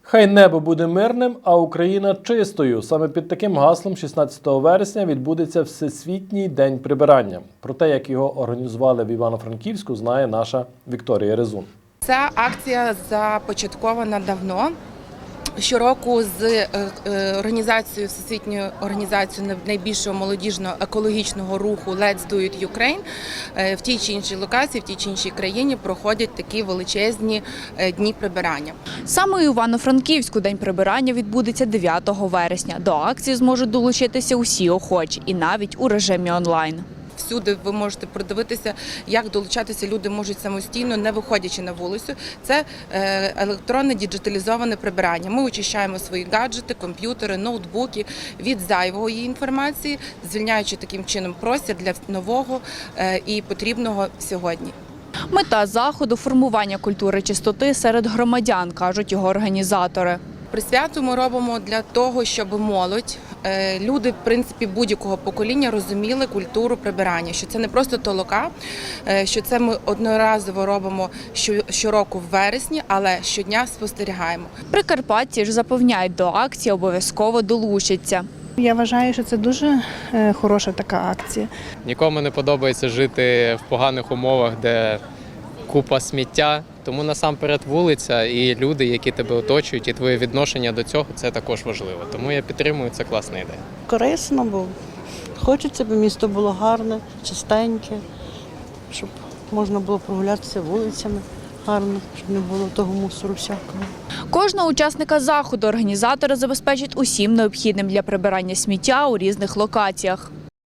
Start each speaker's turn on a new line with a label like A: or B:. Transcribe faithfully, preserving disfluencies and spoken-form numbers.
A: Хай небо буде мирним, а Україна чистою. Саме під таким гаслом шістнадцятого вересня відбудеться Всесвітній день прибирання. Про те, як його організували в Івано-Франківську, знає наша Вікторія Резун.
B: Ця акція започаткована давно. Щороку з організацією, Всесвітньою організацією найбільшого молодіжного екологічного руху Let's Do It Ukraine в тій чи іншій локації, в тій чи іншій країні проходять такі величезні дні прибирання.
C: Саме у Івано-Франківську день прибирання відбудеться дев'ятого вересня. До акції зможуть долучитися усі охочі і навіть у режимі онлайн.
B: Всюди ви можете продивитися, як долучатися люди можуть самостійно, не виходячи на вулицю. Це електронне діджиталізоване прибирання. Ми очищаємо свої гаджети, комп'ютери, ноутбуки від зайвої інформації, звільняючи таким чином простір для нового і потрібного сьогодні.
C: Мета заходу – формування культури чистоти серед громадян, кажуть його організатори.
B: Присвяту ми робимо для того, щоб молодь, люди, в принципі, будь-якого покоління розуміли культуру прибирання, що це не просто толока, що це ми одноразово робимо щороку в вересні, але щодня спостерігаємо.
C: Прикарпатці ж запевняють, до акції обов'язково долучаться.
D: Я вважаю, що це дуже хороша така акція.
E: Нікому не подобається жити в поганих умовах, де купа сміття. Тому насамперед вулиця і люди, які тебе оточують, і твоє відношення до цього – це також важливо. Тому я підтримую, це класна ідея.
F: Корисно, бо хочеться, щоб місто було гарне, чистеньке, щоб можна було прогулятися вулицями гарно, щоб не було того мусору всякого.
C: Кожного учасника заходу організатори забезпечать усім необхідним для прибирання сміття у різних локаціях.